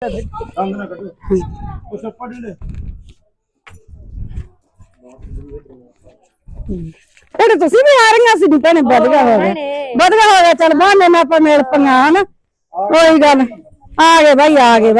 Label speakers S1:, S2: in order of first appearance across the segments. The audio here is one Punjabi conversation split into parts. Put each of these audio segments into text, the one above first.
S1: अंग ना कटो वो सब पढ़ ले
S2: ਭੈਣੇ ਤੁਸੀਂ ਵੀ ਆ ਰਹੀਆਂ ਸੀ ਭੈਣੇ ਵਧੀਆ ਹੋ ਗਿਆ ਚੱਲ ਬਹਾਨੇ ਨਾਲ ਆਪਾਂ ਮਿਲ ਪਈਆਂ ਹਨਾ ਕੋਈ ਗੱਲ ਆ ਗਏ ਬਾਈ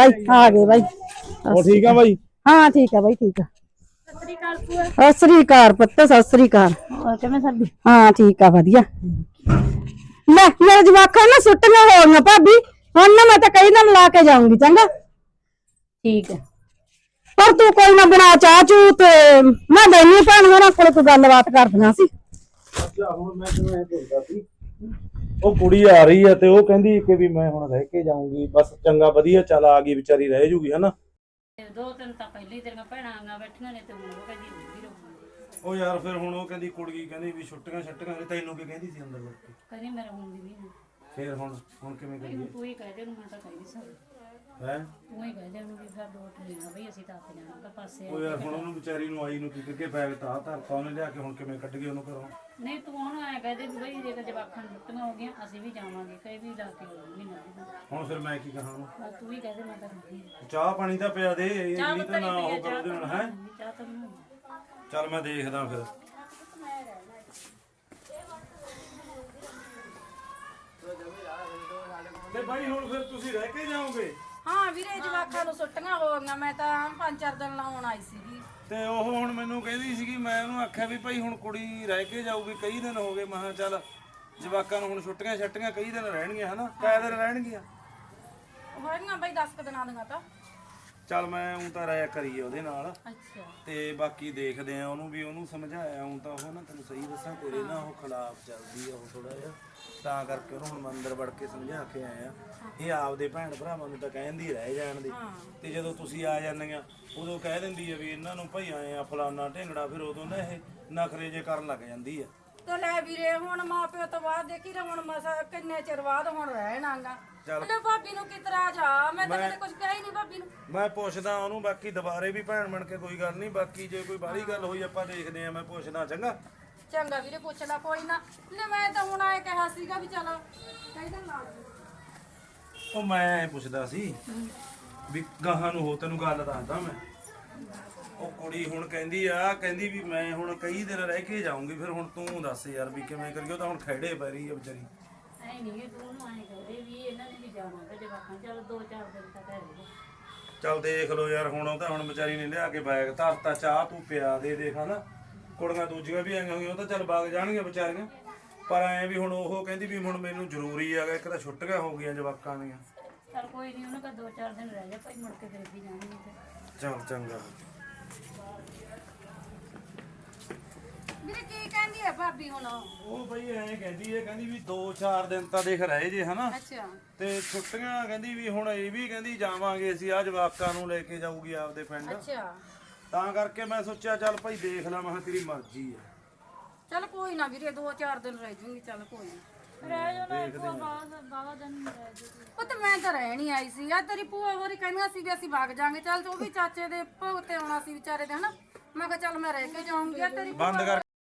S1: वो ठीक है भाई
S2: ਹਾਂ ਠੀਕ ਆ ਬਾਈ ਠੀਕ ਆ ਸਤਿ ਸ੍ਰੀ ਅਕਾਲ ਪੁੱਤ ਸਤਿ ਸ੍ਰੀ ਅਕਾਲ
S3: ਕਿਵੇਂ ਸਰਦੀ
S2: ਹਾਂ ਠੀਕ ਆ ਵਧੀਆ ਲੈ ਮੇਰੇ ਜਵਾਕਾਂ ਨਾ ਸੁੱਟੀਆਂ ਹੋ ਗਈਆਂ ਭਾਬੀ ਹੁਣ ਨਾ ਮੈਂ ਤਾਂ ਕਈ ਦਿਨ ਲਾ ਕੇ ਜਾਊਂਗੀ ਚੰਗਾ
S3: ਠੀਕ ਹੈ
S2: ਪਰ ਤੂੰ ਕੋਈ ਨਾ ਬਣਾ ਚਾਹ ਚੂ ਤੇ ਮੈਂ ਬੈਣੀ ਭੈਣ ਹੋਰਾਂ ਕੋਲ ਕੋਈ ਗੱਲਬਾਤ ਕਰਦੀਆਂ ਸੀ
S1: अच्छा हुन मैं तुम्हें बोलदा सी ਉਹ ਕੁੜੀ ਆ ਰਹੀ ਹੈ ਤੇ ਉਹ ਕਹਿੰਦੀ ਕਿ ਵੀ ਮੈਂ ਹੁਣ ਰਹਿ ਕੇ ਜਾਊਂਗੀ ਬਸ ਚੰਗਾ ਵਧੀਆ ਚੱਲ ਆ ਗਈ ਵਿਚਾਰੀ ਰਹਿ ਜੂਗੀ ਹਨਾ
S3: ਦੋ ਤਿੰਨ ਤਾਂ ਪਹਿਲੀ ਤੇਰੀਆਂ ਭੈਣਾਂ ਆਂਗਾ ਬੈਠੀਆਂ ਨੇ ਤੇ ਹੁਣ ਉਹ ਕਹਿੰਦੀ ਹੁੰਦੀ ਰਹੂਗੀ
S1: ਉਹ ਯਾਰ ਫਿਰ ਹੁਣ ਉਹ ਕਹਿੰਦੀ ਕੁੜੀ ਕਹਿੰਦੀ ਵੀ ਛੁੱਟੀਆਂ ਤੈਨੂੰ ਕੀ ਕਹਿੰਦੀ ਸੀ ਅੰਦਰ ਵੜ ਕੇ
S3: ਕਹਿੰਦੀ ਮੇਰਾ ਹੁੰਦੀ ਨਹੀਂ
S1: ਫਿਰ ਹੁਣ ਕਿਵੇਂ ਕਰੀਏ
S3: ਤੂੰ ਹੀ ਕਹਿ ਦੇ ਉਹਨੂੰ ਮੈਂ ਤਾਂ ਕਹਿ ਨਹੀਂ ਸਕਦੀ
S1: ਹੈ
S3: ਤੂੰ ਹੀ ਕਹਿ ਦੇ ਉਹਨੂੰ ਵੀ ਫਿਰ ਡੋਟ ਲੈਣਾ ਬਈ ਅਸੀਂ ਤਾਂ ਆਪ ਜਾਣਾ ਤਾਂ ਪਾਸੇ
S1: ਉਹ ਯਾਰ ਹੁਣ ਉਹਨੂੰ ਵਿਚਾਰੀ ਨੂੰ ਆਈ ਨੂੰ ਕੀ ਕਰਕੇ ਬੈਗ ਤਾਂ ਧਰਤਾ ਉਹਨੇ ਲਿਆ ਕੇ ਹੁਣ ਕਿਵੇਂ ਕੱਢ ਗਏ ਉਹਨੂੰ ਘਰੋਂ
S3: ਨਹੀਂ ਤੂੰ ਉਹਨੂੰ ਐ ਕਹਿ ਦੇ ਵੀ ਬਈ ਜੇ ਜਵਾਕਾਂ ਨੂੰ ਛੁੱਟੀਆਂ ਹੋ ਗਈਆਂ ਅਸੀਂ ਵੀ ਜਾਵਾਂਗੇ ਕਈ ਵੀ ਲਾ ਕੇ ਮਹੀਨਾ
S1: ਹੁਣ ਫਿਰ ਮੈਂ ਕੀ ਕਹਾਂ ਉਹਨੂੰ
S3: ਬਸ ਤੂੰ ਹੀ ਕਹਿ ਦੇ ਮੈਂ ਤਾਂ ਰਹਿੰਦੀ
S1: ਚਾਹ ਪਾਣੀ ਤਾਂ ਪਿਆ ਦੇ ਇਹ
S3: ਚਾਹ
S1: ਨਹੀਂ ਤਾਂ ਨਾ ਉਹ ਕਰੋ ਦੇ ਹੁਣ ਹੈ
S3: ਚਾਹ ਤਾਂ ਬਣਾਉਣੀ
S1: ਚੱਲ ਮੈਂ ਦੇਖਦਾ ਫਿਰ ਤੇ ਭਾਈ ਹੁਣ ਫਿਰ ਤੁਸੀਂ ਰਹਿ ਕੇ ਜਾਓਗੇ
S4: ਹਾਂ ਵੀਰੇ ਜਵਾਕਾਂ ਨੂੰ ਛੁੱਟੀਆਂ ਹੋ ਗਈਆਂ ਮੈਂ ਤਾਂ 5-4 ਦਿਨ ਲਾਉਣ ਆਈ ਸੀਗੀ
S1: ਤੇ ਉਹ ਹੁਣ ਮੈਨੂੰ ਕਹਿੰਦੀ ਸੀਗੀ ਮੈਂ ਉਹਨੂੰ ਆਖਿਆ ਵੀ ਭਾਈ ਹੁਣ ਕੁੜੀ ਰਹਿ ਕੇ ਜਾਊਗੀ ਕਈ ਦਿਨ ਹੋ ਗਏ ਮੈਂ ਕਿਹਾ ਚੱਲ ਜਵਾਕਾਂ ਨੂੰ ਹੁਣ ਛੁੱਟੀਆਂ ਕਈ ਦਿਨ ਰਹਿਣਗੀਆਂ ਹਨਾ ਕਈ ਦਿਨ ਰਹਿਣਗੀਆਂ
S4: ਹੋਈਆਂ ਬਈ 10 ਦਿਨਾਂ ਦੀਆਂ ਤਾਂ
S1: ਚੱਲ ਮੈਂ ਉਹ ਤਾਂ ਰਾਇ ਕਰੀਏ ਉਹਦੇ ਨਾਲ
S4: ਅੱਛਾ
S1: ਤੇ ਬਾਕੀ ਦੇਖਦੇ ਆ ਉਹਨੂੰ ਵੀ ਉਹਨੂੰ ਸਮਝਾਇਆ ਹੁਣ ਤਾਂ ਉਹ ਨਾ ਤੈਨੂੰ ਸਹੀ ਦੱਸਾਂ ਤੇਰੇ ਨਾ ਉਹ ਖਿਲਾਫ ਚੱਲਦੀ ਆ ਉਹ ਥੋੜਾ ਜਿਹਾ ਤਾਂ ਕਰਕੇ ਉਹਨੂੰ ਹੁਣ ਮੈਂ ਅੰਦਰ ਵੜ ਕੇ ਸਮਝਾ ਕੇ ਆਇਆ ਇਹ ਆਪਦੇ ਭੈਣ ਭਰਾਵਾਂ ਨੂੰ ਤਾਂ ਕਹਿੰਦੀ ਰਹਿ ਜਾਣ ਦੀ ਤੇ ਜਦੋਂ ਤੁਸੀਂ ਆ ਜਾਂਦੀਆਂ ਉਦੋਂ ਕਹਿ ਦਿੰਦੀ ਆ ਵੀ ਇਹਨਾਂ ਨੂੰ ਭਾਈ ਆਏ ਆ ਫਲਾਨਾ ਢਿੰਗੜਾ ਫਿਰ ਉਦੋਂ ਨਾ ਇਹ ਨਖਰੇ ਜੇ ਕਰਨ ਲੱਗ ਜਾਂਦੀ ਆ
S4: ਤੇ ਲੈ ਵੀਰੇ ਹੁਣ ਮਾਪਿਓ ਤੋਂ ਬਾਅਦ ਦੇਖੀ ਤਾਂ ਹੁਣ ਮਸਾ ਕਿੰਨੇ ਚਿਰ ਬਾਅਦ ਹੁਣ ਰਹਿਣਾਗਾ ਲੈ ਭਾਬੀ ਨੂੰ ਕੀ ਇਤਰਾਜ਼ ਆ ਮੈਂ ਤਾਂ ਕਦੇ ਕੁਝ ਕਿਹਾ ਹੀ ਨਹੀਂ ਭਾਬੀ ਨੂੰ
S1: ਮੈਂ ਪੁੱਛਦਾ ਉਹਨੂੰ ਬਾਕੀ ਦੁਬਾਰੇ ਵੀ ਭੈਣ ਬਣ ਕੇ ਕੋਈ ਗੱਲ ਨਹੀਂ ਬਾਕੀ ਜੇ ਕੋਈ ਬਾਹਰੀ ਗੱਲ ਹੋਈ ਆਪਾਂ ਦੇਖਦੇ ਆ ਮੈਂ ਪੁੱਛਦਾ ਚੰਗਾ
S4: ਚੰਗਾ ਵੀਰੇ ਪੁੱਛ ਲੈ ਕੋਈ ਨਾ ਲੈ ਮੈਂ ਤਾਂ ਹੁਣ ਆਏ ਕਿਹਾ ਸੀਗਾ ਵੀ ਚਲੋ ਕਹਿੰਦਾ ਲਾ
S1: ਉਹ ਮੈਂ ਪੁੱਛਦਾ ਸੀ ਵੀ ਗਾਹਾਂ ਨੂੰ ਹੋ ਤੈਨੂੰ ਗੱਲ ਦੱਸਦਾ ਮੈਂ ਉਹ ਕੁੜੀ ਹੁਣ ਕਹਿੰਦੀ ਵੀ ਮੈਂ ਹੁਣ ਕਈ ਦਿਨ ਰਹਿ ਕੇ ਜਾਊਂਗੀ ਫਿਰ ਹੁਣ ਤੂੰ ਦੱਸ ਯਾਰ ਵੀ ਕਿਵੇਂ ਕਰੀਏ ਉਹ ਤਾਂ ਹੁਣ ਖੜੇ ਪੈ ਰਹੀ ਆ ਵਿਚਾਰੀ
S3: ਐ ਨਹੀਂ ਤੂੰ ਉਹਨੂੰ ਐ ਕਹਦੇ ਵੀ ਇਹਨਾਂ ਨੇ ਵੀ ਜਾਣਾ ਤੇ ਜਵਾਕਾਂ ਚੱਲ 2-4 ਦਿਨ ਤੱਕ ਰਹੇਗਾ
S1: ਚੱਲ ਦੇਖ ਲਓ ਯਾਰ ਹੁਣ ਉਹ ਤਾਂ ਹੁਣ ਵਿਚਾਰੀ ਨੇ ਲਿਆ ਕੇ ਬੈਗ ਧਰਤਾ ਚਾਹ ਤੂੰ ਪਿਆ ਦੇ ਦੇਖ ਹਨਾ ਕੁੜੀਆਂ ਦੂਜੀਆਂ ਵੀ ਆਈਆਂ ਹੋਈਆਂ ਉਹ ਤਾਂ ਚੱਲ ਵਗ ਜਾਣਗੀਆਂ ਵਿਚਾਰੀਆਂ ਪਰ ਐ ਵੀ ਹੁਣ ਉਹ ਕਹਿੰਦੀ ਵੀ ਹੁਣ ਮੈਨੂੰ ਜ਼ਰੂਰੀ ਆ ਇੱਕ ਤਾਂ ਛੁੱਟੀਆਂ ਹੋ ਗਈਆਂ ਜਵਾਕਾਂ ਦੀਆਂ
S3: ਚੱਲ ਕੋਈ ਨਹੀਂ ਉਹਨੂੰ ਕਾ 2-4 ਦਿਨ ਰਹਿ ਜਾ ਭਾਈ ਮੁੜ ਕੇ ਫਿਰ ਵੀ ਜਾਣਗੇ ਤੇ
S1: ਚੱਲ ਚੰਗਾ
S4: ਵੀਰੇ ਕੀ ਕਹਿੰਦੀ ਆ ਭਾਬੀ ਹੁਣ
S1: ਉਹ ਬਈ ਐਂ ਕਹਿੰਦੀ ਵੀ 2-4 ਦਿਨ ਤਾਂ ਦੇਖ ਰਹੇ ਜੇ ਹਨਾ
S4: ਅੱਛਾ
S1: ਤੇ ਛੁੱਟੀਆਂ ਕਹਿੰਦੀ ਵੀ ਹੁਣ ਇਹ ਵੀ ਕਹਿੰਦੀ ਜਾਵਾਂਗੇ ਅਸੀਂ ਆ ਜਵਾਕਾਂ ਨੂੰ ਲੈ ਕੇ ਜਾਊਗੀ ਆਪਦੇ ਪਿੰਡ
S4: ਅੱਛਾ
S1: ਤਾਂ ਕਰਕੇ ਮੈਂ ਸੋਚਿਆ ਚੱਲ ਭਾਈ ਦੇਖ ਲਾ ਮੈਂ ਕਿਹਾ ਤੇਰੀ ਮਰਜ਼ੀ ਆ
S4: ਚੱਲ ਕੋਈ ਨਾ ਵੀਰੇ 2-4 ਦਿਨ ਰਹਿ ਜੂਗੀ ਚੱਲ ਕੋਈ ਨਾ
S3: ਰਹਿ ਜਾਣਾ ਬਾਵਾ ਦਿਨ ਰਹਿ ਜਾ
S4: ਉਹ ਤਾਂ ਮੈਂ ਤਾਂ ਰਹਿਣ ਹੀ ਆਈ ਸੀ ਆ ਤੇਰੀ ਭੂਆ ਹੋਰੀ ਕਹਿੰਦੀਆਂ ਸੀ ਵੀ ਅਸੀਂ ਵਗ ਜਾਾਂਗੇ ਚੱਲ ਉਹ ਵੀ ਚਾਚੇ ਦੇ ਭੋਗ ਤੇ ਆਉਣਾ ਸੀ ਵਿਚਾਰੇ ਦੇ ਹਨਾ ਮੈਂ ਕਿਹਾ ਚੱਲ ਮੈਂ ਰਹਿ ਕੇ ਜਾਊਂਗੀ ਆ ਤੇਰੀ
S1: ਬੰਦ ਕਰ